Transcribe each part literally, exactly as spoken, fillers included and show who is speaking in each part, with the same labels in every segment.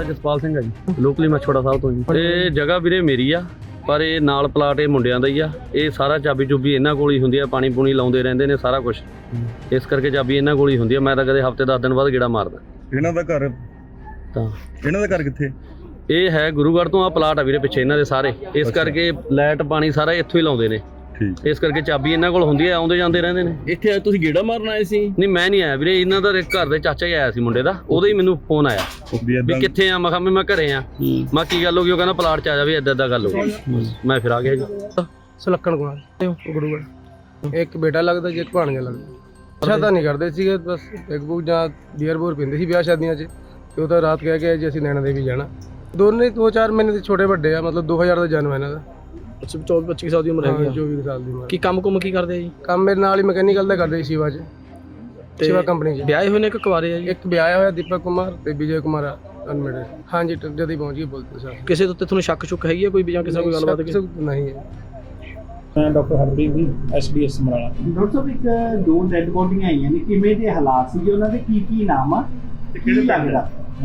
Speaker 1: ਜਸਪਾਲ ਸਿੰਘ ਹੈ ਜੀ, ਲੋਕਲੀ ਮਛੋੜਾ ਸਾਹਿਬ ਤੋਂ ਜੀ। ਇਹ ਜਗ੍ਹਾ ਵੀਰੇ ਮੇਰੀ ਆ, ਪਰ ਇਹ ਨਾਲ ਪਲਾਟ ਇਹ ਮੁੰਡਿਆਂ ਦਾ ਹੀ ਆ। ਇਹ ਸਾਰਾ ਚਾਬੀ ਚੁਬੀ ਇਹਨਾਂ ਕੋਲ ਹੀ ਹੁੰਦੀ ਆ, ਪਾਣੀ ਪੂਣੀ ਲਾਉਂਦੇ ਰਹਿੰਦੇ ਨੇ ਸਾਰਾ ਕੁਝ, ਇਸ ਕਰਕੇ ਚਾਬੀ ਇਹਨਾਂ ਕੋਲ ਹੀ ਹੁੰਦੀ ਆ। ਮੈਂ ਤਾਂ ਕਦੇ ਹਫ਼ਤੇ ਦਸ ਦਿਨ ਬਾਅਦ ਗੇੜਾ ਮਾਰਦਾ।
Speaker 2: ਇਹਨਾਂ ਦਾ ਘਰ
Speaker 1: ਤਾਂ
Speaker 2: ਇਹਨਾਂ ਦਾ ਘਰ ਕਿੱਥੇ?
Speaker 1: ਇਹ ਹੈ ਗੁਰੂਗੜ੍ਹ ਤੋਂ, ਆ ਪਲਾਟ ਆ ਵੀਰੇ ਪਿੱਛੇ ਇਹਨਾਂ ਦੇ ਸਾਰੇ, ਇਸ ਕਰਕੇ ਲਾਈਟ ਪਾਣੀ ਸਾਰਾ ਇੱਥੋਂ ਹੀ ਲਾਉਂਦੇ ਨੇ, ਇਸ ਕਰਕੇ ਚਾਬੀ ਇਹਨਾਂ ਕੋਲ ਹੁੰਦੀ ਹੈ, ਆਉਂਦੇ ਜਾਂਦੇ ਰਹਿੰਦੇ ਨੇ।
Speaker 3: ਇੱਥੇ ਤੁਸੀਂ ਗੇੜਾ ਮਾਰਨ ਆਏ ਸੀ?
Speaker 1: ਨਹੀਂ ਮੈਂ ਨਹੀਂ ਆਇਆ ਵੀਰੇ, ਇਹਨਾਂ ਦਾ ਘਰ ਦੇ ਚਾਚਾ ਹੀ ਆਇਆ ਸੀ ਮੁੰਡੇ ਦਾ, ਉਹਦਾ ਹੀ ਮੈਨੂੰ ਫੋਨ ਆਇਆ ਵੀ ਕਿੱਥੇ ਆ। ਮੈਂ ਕਿਹਾ ਮੈਂ ਘਰੇ ਆ। ਮੈਂ ਕੀ ਗੱਲ ਹੋ ਗਈ? ਉਹ ਕਹਿੰਦਾ ਪਲਾਟ 'ਚ ਆ ਜਾਵੇ, ਏਦਾਂ ਏਦਾਂ ਗੱਲ ਹੋ ਗਈ। ਮੈਂ ਫਿਰ ਆ ਗਿਆ ਜੀ।
Speaker 4: ਸੁਲੱਖਣ ਕੁਮਾਰ ਗੁਰੂਗੜ੍ਹ। ਇੱਕ ਬੇਟਾ ਲੱਗਦਾ ਜੀ, ਇੱਕ ਭਾਣਜਾ ਲੱਗਦਾ। ਅੱਛਾ ਤਾਂ ਨਹੀਂ ਕਰਦੇ ਸੀਗੇ, ਬਸ ਇੱਕ ਬੁੱਕ ਜਾਂ ਬੀਅਰ ਬੂਰ ਪੀਂਦੇ ਸੀ ਵਿਆਹ ਸ਼ਾਦੀਆਂ 'ਚ, ਤੇ ਉਹ ਤਾਂ ਰਾਤ ਕਹਿ ਕੇ ਜੀ ਅਸੀਂ ਨੈਣਾ ਦੇਵੀ ਜਾਣਾ। ਦੋਨੇ ਦੋ ਚਾਰ ਮਹੀਨੇ ਦੇ ਛੋਟੇ ਵੱਡੇ ਆ, ਮਤਲਬ ਦੋ ਹਜ਼ਾਰ ਦਾ ਜਨਮ ਇਹਨਾਂ ਦਾ।
Speaker 3: ਅੱਛਾ, ਚੌਵੀ ਪੱਚੀ ਸਾਲ ਦੀ ਉਮਰ ਹੈਗੀ ਆ।
Speaker 4: ਚੌਵੀ ਸਾਲ ਦੀ ਉਮਰ।
Speaker 3: ਕੀ ਕੰਮ ਕੁਮ ਕੀ ਕਰਦੇ ਆ ਜੀ?
Speaker 4: ਕੰਮ ਮੇਰੇ ਨਾਲ ਹੀ ਮਕੈਨੀਕਲ ਦਾ ਕਰਦੇ ਸੀ ਸ਼ਿਵਾ 'ਚ, ਸ਼ਿਵਾ ਕੰਪਨੀ 'ਚ।
Speaker 3: ਵਿਆਹੇ ਹੋਏ ਨੇ ਕਿ ਕੁਆਰੇ ਆ ਜੀ?
Speaker 4: ਇੱਕ ਵਿਆਹਿਆ ਹੋਇਆ ਦੀਪਕ ਕੁਮਾਰ ਤੇ ਵਿਜੇ ਕੁਮਾਰ ਅਨਮੇਡ। ਹਾਂਜੀ, ਜਦ ਹੀ ਪਹੁੰਚ ਗਏ ਬੋਲਤੇ ਸਰ।
Speaker 3: ਕਿਸੇ ਦੇ ਉੱਤੇ ਤੁਹਾਨੂੰ ਸ਼ੱਕ ਸ਼ੁੱਕ ਹੈਗੀ ਆ ਕੋਈ, ਜਾਂ ਕਿਸੇ ਕੋਈ ਗੱਲਬਾਤ?
Speaker 4: ਨਹੀਂ ਹੈ।
Speaker 5: ਮੈਂ doctor Harpreet ji, S D S Samrala.
Speaker 6: Doctor ਸਾਹਿਬ, ਇੱਕ ਦੋ ਡੈਡ ਬੋਡੀਆਂ ਆਈਆਂ ਨੇ, ਕਿਵੇਂ ਦੇ ਹਾਲਾਤ ਸੀ? ਉਹਨਾਂ ਦੇ ਕੀ ਕੀ ਨਾਮ ਆ ਤੇ ਕਿਹੜੇ ਲੱਗਦਾ?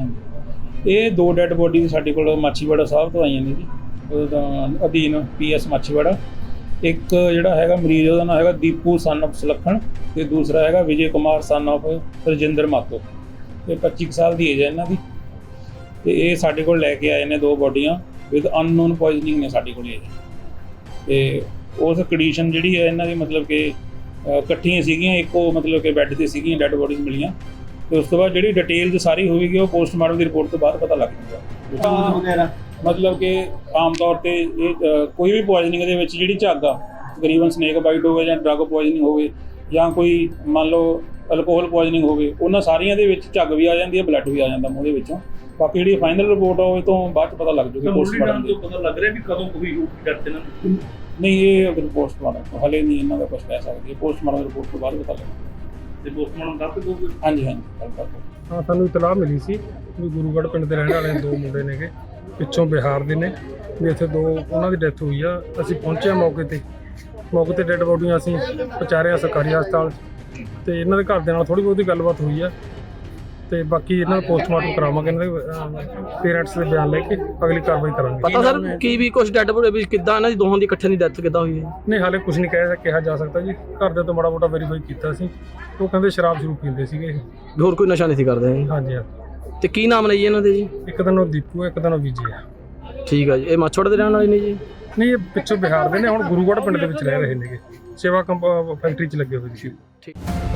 Speaker 5: ਇਹ ਦੋ ਡੈੱਡ ਬੋਡੀ ਸਾਡੇ ਕੋਲ ਮਾਛੀਵਾੜਾ ਸਾਹਿਬ ਤੋਂ ਆਈਆਂ ਨੇ ਜੀ, ਉਹਦਾ ਅਧੀਨ ਪੀ ਐਸ ਮਾਛੀਵਾੜਾ। ਇੱਕ ਜਿਹੜਾ ਹੈਗਾ ਮਰੀਜ਼, ਉਹਦਾ ਨਾਮ ਹੈਗਾ ਦੀਪੂ ਸਨ ਆਫ ਸੁਲੱਖਣ, ਤੇ ਦੂਸਰਾ ਹੈਗਾ ਵਿਜੇ ਕੁਮਾਰ ਸਨ ਆਫ ਰਜਿੰਦਰ ਮਾਤੋ। ਇਹ ਪੱਚੀ ਸਾਲ ਦੀ ਏਜ ਹੈ ਇਹਨਾਂ ਦੀ, ਤੇ ਇਹ ਸਾਡੇ ਕੋਲ ਲੈ ਕੇ ਆਏ ਨੇ ਦੋ ਬੋਡੀਆਂ ਵਿਦ ਅਨਨੋਨ ਪੋਇਜ਼ਨਿੰਗ ਨੇ ਸਾਡੇ ਕੋਲ ਇਹ। ਤੇ ਉਸ ਕੰਡੀਸ਼ਨ ਜਿਹੜੀ ਹੈ ਇਹਨਾਂ ਦੀ, ਮਤਲਬ ਕਿ ਇਕੱਠੀਆਂ ਸੀਗੀਆਂ, ਇੱਕੋ ਮਤਲਬ ਕਿ ਬੈੱਡ 'ਤੇ ਸੀਗੀਆਂ, ਡੈੱਡ ਬੋਡੀਜ਼ ਮਿਲੀਆਂ। ਤੇ ਉਸ ਤੋਂ ਬਾਅਦ ਜਿਹੜੀ ਡਿਟੇਲ ਸਾਰੀ ਹੋਵੇਗੀ ਉਹ ਪੋਸਟਮਾਰਟਮ ਦੀ ਰਿਪੋਰਟ ਤੋਂ ਬਾਅਦ ਪਤਾ ਲੱਗ ਜਾਊਗਾ।
Speaker 6: ਵਗੈਰਾ
Speaker 5: ਮਤਲਬ ਕਿ ਆਮ ਤੌਰ ਤੇ ਇਹ ਕੋਈ ਵੀ ਪੋਇਜ਼ਨਿੰਗ ਦੇ ਵਿੱਚ ਜਿਹੜੀ ਝੱਗ ਆ, ਤਕਰੀਬਨ ਸਨੇਕ ਬਾਈਟ ਹੋਵੇ ਜਾਂ ਡਰੱਗ ਪੋਇਜ਼ਨਿੰਗ ਹੋਵੇ ਜਾਂ ਕੋਈ ਮੰਨ ਲਓ ਅਲਕੋਹਲ ਪੋਇਜ਼ਨਿੰਗ ਹੋਵੇ, ਉਹਨਾਂ ਸਾਰੀਆਂ ਦੇ ਵਿੱਚ ਝੱਗ ਵੀ ਆ ਜਾਂਦੀ ਹੈ, ਬਲੱਡ ਵੀ ਆ ਜਾਂਦਾ ਮੂੰਹ ਦੇ ਵਿੱਚੋਂ। ਬਾਕੀ ਜਿਹੜੀ ਫਾਈਨਲ ਰਿਪੋਰਟ ਆ ਉਹ ਤੋਂ ਬਾਅਦ 'ਚ ਪਤਾ ਲੱਗ ਜਾਊਗੀ ਪੋਸਟਮਾਰਟਮ ਤੋਂ।
Speaker 2: ਪਤਾ ਲੱਗ ਰਿਹਾ ਵੀ ਕਦੋਂ ਕੋਈ ਡੈਥ ਇਹਨਾਂ ਨੂੰ?
Speaker 5: ਨਹੀਂ, ਇਹ ਅਗਰ ਪੋਸਟਮਾਰਟਮ ਹਲੇ ਨਹੀਂ ਇਹਨਾਂ ਦਾ ਕੁਝ ਕਹਿ ਸਕਦੇ, ਪੋਸਟਮਾਰਟਮ ਰਿਪੋਰਟ ਤੋਂ ਬਾਅਦ ਪਤਾ ਲੱਗੇਗਾ।
Speaker 2: ਤੇ ਪੋਸਟਮਾਰਟਮ ਕਰ ਦਿਓਗੇ?
Speaker 5: ਹਾਂਜੀ ਹਾਂਜੀ, ਗੱਲ ਕਰਦੇ।
Speaker 4: ਹਾਂ, ਸਾਨੂੰ ਇਤਲਾਹ ਮਿਲੀ ਸੀ ਵੀ ਗੁਰੂਗੜ੍ਹ ਪਿੰਡ ਦੇ ਰਹਿਣ ਵਾਲੇ ਦੋ ਮੁੰਡੇ ਨੇਗੇ, ਪਿੱਛੋਂ ਬਿਹਾਰ ਦੇ ਨੇ, ਵੀ ਇੱਥੇ ਦੋ ਉਹਨਾਂ ਦੀ ਡੈਥ ਹੋਈ ਆ। ਅਸੀਂ ਪਹੁੰਚੇ ਮੌਕੇ ਤੇ ਮੌਕੇ ਤੇ ਡੈੱਡ ਬੋਡੀਆਂ ਅਸੀਂ ਪਹੁੰਚਾਰਿਆ ਸਰਕਾਰੀ ਹਸਪਤਾਲ, ਤੇ ਇਹਨਾਂ ਦੇ ਘਰ ਦੇ ਨਾਲ ਥੋੜ੍ਹੀ ਬਹੁਤੀ ਗੱਲਬਾਤ ਹੋਈ ਆ, ਤੇ ਬਾਕੀ ਇਹਨਾਂ ਦਾ ਪੋਸਟਮਾਰਟਮ ਕਰਾਵਾਂਗੇ, ਇਹਨਾਂ ਦੇ ਪੇਰੈਂਟਸ ਦੇ ਬਿਆਨ ਲੈ ਕੇ ਅਗਲੀ ਕਾਰਵਾਈ ਕਰਾਂਗੇ।
Speaker 3: ਪਤਾ ਸਰ ਕੀ ਵੀ ਕੁਝ ਡੈਡ ਬੋਡੀ ਵੀ ਕਿੱਦਾਂ ਇਹਨਾਂ ਦੀ ਦੋਹਾਂ ਦੀ ਇਕੱਠੇ ਦੀ ਡੈਥ ਕਿੱਦਾਂ ਹੋਈ ਹੈ?
Speaker 4: ਨਹੀਂ, ਹਾਲੇ ਕੁਝ ਨਹੀਂ ਕਹਿ ਕਿਹਾ ਜਾ ਸਕਦਾ ਜੀ। ਘਰ ਦੇ ਤੋਂ ਮਾੜਾ ਮੋਟਾ ਵੈਰੀਫਾਈ ਕੀਤਾ ਸੀ, ਉਹ ਕਹਿੰਦੇ ਸ਼ਰਾਬ ਸ਼ੁਰੂ ਪੀਂਦੇ ਸੀਗੇ।
Speaker 3: ਹੋਰ ਕੋਈ ਨਸ਼ਾ ਨਹੀਂ ਸੀ ਕਰਦੇ?
Speaker 4: ਹਾਂਜੀ ਹਾਂ।
Speaker 3: ਤੇ ਕੀ ਨਾਮ ਨੇ ਜੀ ਇਹਨਾਂ ਦੇ ਜੀ?
Speaker 4: ਇੱਕ ਦਿਨ ਉਹ ਦੀਪੂ ਹੈ, ਇੱਕ ਦਿਨ ਉਹ ਵਿਜੇ ਆ।
Speaker 3: ਠੀਕ ਆ ਜੀ। ਇਹ ਮਾਛੋੜ ਦੇ ਰਹਿਣ ਵਾਲੇ ਨੇ ਜੀ?
Speaker 4: ਨਹੀਂ, ਇਹ ਪਿੱਛੋਂ ਬਿਹਾਰ ਦੇ ਨੇ, ਹੁਣ ਗੁਰੂਗੜ੍ਹ ਪਿੰਡ ਦੇ ਵਿੱਚ ਰਹਿ ਰਹੇ ਨੇਗੇ, ਸੇਵਾ ਕੰਪ ਫੈਕਟਰੀ 'ਚ ਲੱਗੇ ਹੋਏ ਸੀ।
Speaker 3: ਠੀਕ।